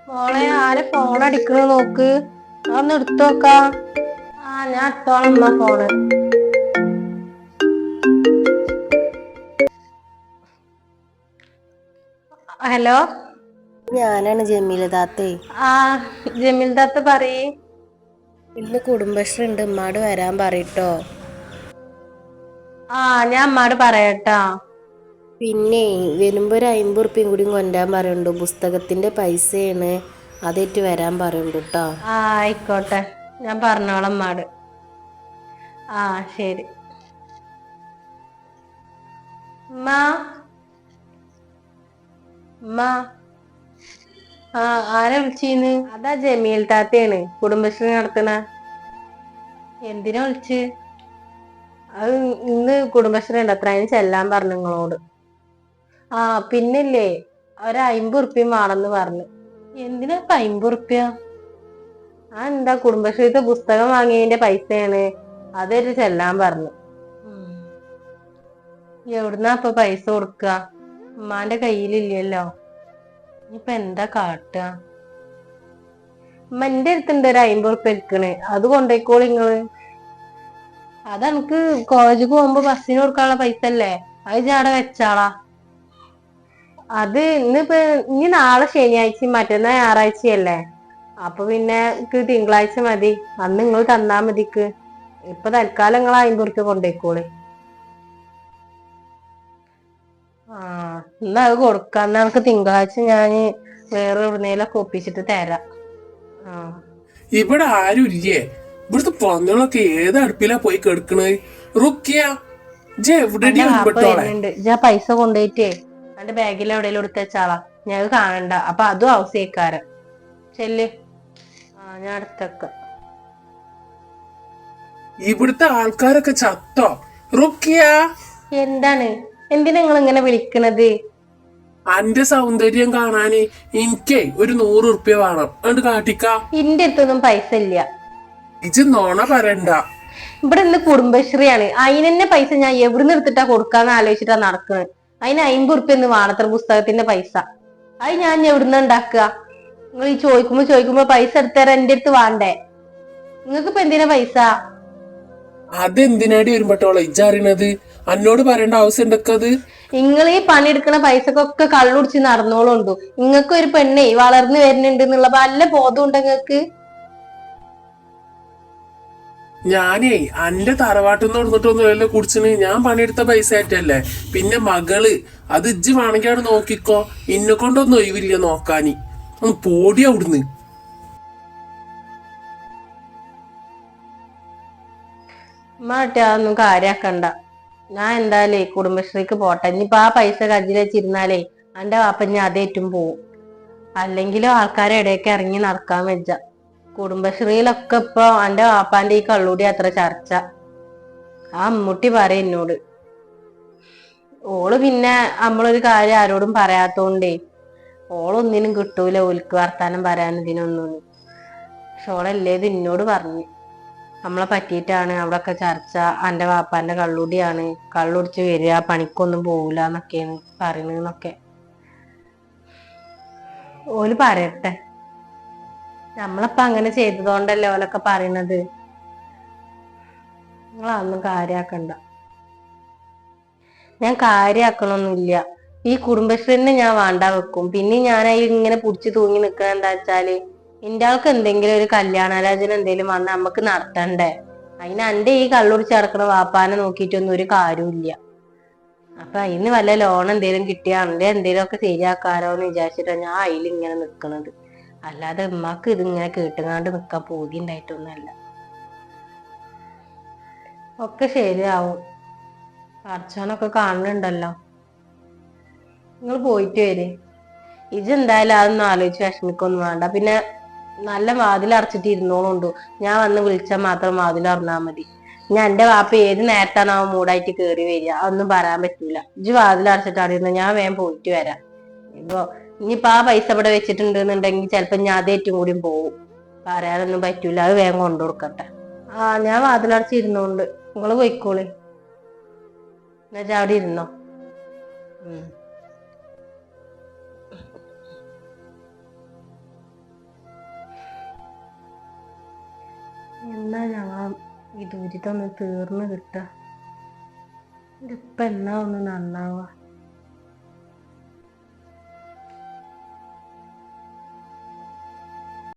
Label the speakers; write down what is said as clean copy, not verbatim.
Speaker 1: മോളെ ആരെ ഫോൺ അടിക്കണ നോക്ക്. അതൊന്ന് എടുത്തോക്കാ. ഞാൻ എടുത്തോളാം അമ്മ ഫോണ്. ഹലോ,
Speaker 2: ഞാനാണ് ജമീല താത്തേ.
Speaker 1: ജമീൽ താത്ത പറയ്.
Speaker 2: ഇന്ന് കുടുംബശ്രീ ഉണ്ട്, ഉമ്മാട് വരാൻ പറയട്ടോ.
Speaker 1: ഞാൻ അമ്മാട് പറയട്ടാ.
Speaker 2: പിന്നെ വരുമ്പോ ഒരു 50 ഉറുപ്പ്യം കൂടി കൊണ്ടുവരാൻ പറയുന്നുണ്ട്. പുസ്തകത്തിന്റെ പൈസയാണ്, അതേറ്റ് വരാൻ പറയുന്നുണ്ട് കേട്ടോ.
Speaker 1: ആയിക്കോട്ടെ, ഞാൻ പറഞ്ഞോളാം അമ്മാട്. ശരി. ഉമ്മ ഉമ്മ ആരെ വിളിച്ചീന്ന്? അതാ ജമീൽ താത്തയാണ്, കുടുംബശ്രീ നടത്തണ. എന്തിനാ വിളിച്ച്? അത് ഇന്ന് കുടുംബശ്രീ ഉണ്ട് അത്ര, അതിന് ചെല്ലാൻ പറഞ്ഞു നിങ്ങളോട്. പിന്നില്ലേ, ഒരു 50 ഉറുപ്പ്യം വേണമെന്ന് പറഞ്ഞു. എന്തിനാ ഇപ്പൊ 50 ഉറുപ്പ്യ? എന്താ, കുടുംബശ്രീത്തെ പുസ്തകം വാങ്ങിയതിന്റെ പൈസയാണ്, അതൊരു ചെല്ലാൻ പറഞ്ഞു. എവിടുന്നാ ഇപ്പൊ പൈസ കൊടുക്കുക? ഉമ്മാന്റെ കയ്യിലില്ലല്ലോ. ഇനിയിപ്പൊ എന്താ കാട്ടുക? ഉമ്മ എന്റെ അടുത്തുണ്ട് ഒരു 50 ഉറുപ്പ്യ ഇരിക്കണ്, അത് കൊണ്ടോയിക്കോളി നിങ്ങള്. അതെനിക്ക് കോളേജിൽ പോകുമ്പോ ബസ്സിന് കൊടുക്കാനുള്ള പൈസ അല്ലേ, അത് ഞാൻ അവിടെ വെച്ചാളാ. അത് ഇനി നാളെ ശനിയാഴ്ചയും മറ്റന്നാ ഞായറാഴ്ചയല്ലേ, അപ്പൊ പിന്നെ തിങ്കളാഴ്ച മതി. അന്ന് നിങ്ങൾ തന്നാ മതിക്ക്. ഇപ്പൊ തൽക്കാലം നിങ്ങൾ 50 ഉറുപ്പ്യ കൊണ്ടോയിക്കോളി. എന്നാ അത് കൊടുക്കാം. എന്നാ നമുക്ക് തിങ്കളാഴ്ച ഞാന് വേറെ എവിടുന്നേലൊക്കെ ഒപ്പിച്ചിട്ട് തരാം.
Speaker 3: ഇവിടെ ആരും ഇല്ലേ? ഇവിടുത്തെ പന്നികളൊക്കെ ഏത് അടുപ്പിലാ പോയി കെടുക്കണത്? റുക്കിയ,
Speaker 1: എന്റെ വാപ്പ വരുന്നുണ്ട്. പൈസ കൊണ്ടുപോയിട്ടേ എന്റെ ബാഗിൽ എവിടെയെങ്കിലും എടുത്ത് വെച്ചാളാ. ഞാൻ കാണണ്ട, അപ്പൊ അതും ആവശ്യക്കാരൻ. ചെല്ല്. ഞാൻ അടുത്തൊക്കെ.
Speaker 3: ഇവിടുത്തെ ആൾക്കാരൊക്കെ ചത്തോ? റുക്കിയ,
Speaker 1: എന്താണ്? എന്തിനാ നിങ്ങൾ ഇങ്ങനെ വിളിക്കണത്?
Speaker 3: അന്റെ സൗന്ദര്യം കാണാന് എനിക്കേ ഒരു 100 ഉറുപ്പ്യ വേണം, അതുകൊണ്ട് കാട്ടിക്ക.
Speaker 1: ഇന്റെ അടുത്തൊന്നും പൈസ ഇല്ല.
Speaker 3: ഇജ് നോണ പറയണ്ട.
Speaker 1: ഇവിടെ ഇന്ന് കുടുംബശ്രീയാണ്, അതിനെന്നെ പൈസ ഞാൻ എവിടുന്ന് എടുത്തിട്ടാ കൊടുക്കാന്ന് ആലോചിച്ചിട്ടാ നടക്കുന്നത്. അതിന് 50 ഉറുപ്പ്യ ഒന്ന് വേണത്ര പുസ്തകത്തിന്റെ പൈസ. അത് ഞാൻ എവിടുന്ന് ഉണ്ടാക്കുക? നിങ്ങൾ ഈ ചോദിക്കുമ്പോ പൈസ എടുത്തരാൻ എന്റെ അടുത്ത് വേണ്ടേ? നിങ്ങൾക്ക് ഇപ്പൊ എന്തിനാ പൈസ?
Speaker 3: അതെന്തിനാടി വരുമ്പോട്ടോളെ ഇജറിയണത്? എന്നോട് പറയേണ്ട ആവശ്യം ഉണ്ടക്കത്?
Speaker 1: നിങ്ങൾ ഈ പണിയെടുക്കണ പൈസക്കൊക്കെ കള്ളുടിച്ച് നടന്നോളുണ്ടു. നിങ്ങൾക്ക് ഒരു പെണ്ണേ വളർന്നു വരുന്നുണ്ട് എന്നുള്ള വല്ല ബോധം നിങ്ങൾക്ക്?
Speaker 3: ഞാനേ അന്റെ തറവാട്ടിന്ന് കൊടുത്തിട്ടൊന്നും അല്ല കുടിച്ചിന്, ഞാൻ പണിയെടുത്ത പൈസ ആയിട്ടല്ലേ. പിന്നെ മകള്, അത് ഇജ്ജ് വേണമെങ്കിൽ അവിടെ നോക്കിക്കോ, ഇന്നെ കൊണ്ടൊന്നും ഒഴിവില്ല നോക്കാന്. ഒന്ന് പോടി അവിടുന്ന്.
Speaker 1: മാട്ടെ, അതൊന്നും കാര്യാക്കണ്ട. ഞാൻ എന്തായാലേ കുടുംബശ്രീക്ക് പോട്ടെ. ഇനിയിപ്പൊ ആ പൈസ കജ്ജിൽ വെച്ചിരുന്നാലേ എന്റെ വാപ്പഞ്ഞ അതേറ്റും പോവും. അല്ലെങ്കിലും ആൾക്കാരെ ഇടയ്ക്ക് ഇറങ്ങി നടക്കാൻ വെച്ച. കുടുംബശ്രീയിലൊക്കെ ഇപ്പൊ എന്റെ വാപ്പാന്റെ ഈ കള്ളൂടി അത്ര ചർച്ച. അമ്മൂട്ടി പറയും എന്നോട്. ഓള് പിന്നെ നമ്മളൊരു കാര്യം ആരോടും പറയാത്തോണ്ടേ ഓളൊന്നിനും കിട്ടൂല, ഓൽക്ക് വർത്താനം പറയാനും ഇതിനൊന്നും. പക്ഷെ ഓളല്ലേത് എന്നോട് പറഞ്ഞു. നമ്മളെ പറ്റിയിട്ടാണ് അവിടൊക്കെ ചർച്ച, എന്റെ വാപ്പാന്റെ കള്ളുടിയാണ്, കള്ളുടിച്ച് വരിക, പണിക്കൊന്നും പോവില്ല എന്നൊക്കെയാണ് പറയണെന്നൊക്കെ. ഓല് പറയട്ടെ. നമ്മളപ്പ അങ്ങനെ ചെയ്തതുകൊണ്ടല്ലേ ഓലൊക്കെ പറയണത്. നിങ്ങളതൊന്നും കാര്യാക്കണ്ട. ഞാൻ കാര്യാക്കണൊന്നുമില്ല. ഈ കുടുംബശ്രീനെ ഞാൻ വേണ്ട വെക്കും. പിന്നെ ഞാൻ ഇങ്ങനെ പുടിച്ചു തൂങ്ങി നിക്കണ എന്താ വെച്ചാല്, എന്റെ ആൾക്ക് എന്തെങ്കിലും ഒരു കല്യാണാലോചന എന്തെങ്കിലും വന്ന് നമുക്ക് നടത്തണ്ടേ? അതിന് എന്റെ ഈ കള്ളുടിച്ച് നടക്കണ വാപ്പാനെ നോക്കിയിട്ടൊന്നും ഒരു കാര്യമില്ല. അപ്പൊ അതിന് വല്ല ലോൺ എന്തേലും കിട്ടിയാ എന്റെ എന്തേലും ഒക്കെ ശരിയാക്കാരോ എന്ന് വിചാരിച്ചിട്ടാ ഞാൻ അതിലിങ്ങനെ നിക്കണത്. അല്ലാതെ ഉമ്മാക്ക് ഇതിങ്ങനെ കേട്ടുങ്ങാണ്ട് നിക്കാൻ പൂതി ഉണ്ടായിട്ടൊന്നുമല്ല. ഒക്കെ ശരിയാവും. പടച്ചോനൊക്കെ കാണുന്നുണ്ടല്ലോ. നിങ്ങൾ പോയിട്ട് വരെ. ഇജെന്തായാലും അതൊന്നും ആലോചിച്ച് വിഷമിക്കൊന്നും വേണ്ട. പിന്നെ നല്ല വാതിൽ അടച്ചിട്ട് ഇരുന്നോളുണ്ടു. ഞാൻ വന്ന് വിളിച്ചാൽ മാത്രം വാതിൽ തുറന്നാ മതി. ഞാൻ എന്റെ വാപ്പ ഏത് നേരത്താണോ മൂടായിട്ട് കേറി വരിക, അതൊന്നും പറയാൻ പറ്റൂല. ഇജ് വാതിൽ അടച്ചിട്ടാടിരുന്ന ഞാൻ വേഗം പോയിട്ട് വരാം. ഇനിയിപ്പൊ ആ പൈസ ഇവിടെ വെച്ചിട്ടുണ്ട് എന്നുണ്ടെങ്കിൽ ചിലപ്പോ ഞാൻ അതേറ്റും കൂടി പോവും. പറയാനൊന്നും പറ്റൂല, അത് വേഗം കൊണ്ടു കൊടുക്കട്ടെ. ഞാൻ വാതിലടച്ചിരുന്നോണ്ട് നിങ്ങള് പോയിക്കോളി. എന്നുവെച്ചാ അവിടെ ഇരുന്നോ. എന്നാ ഞങ്ങൾ ഈ ദുരിതം ഒന്ന് തീർന്നു കിട്ടുക. ഇതിപ്പോ എന്നാ ഒന്ന് നന്നാവുക.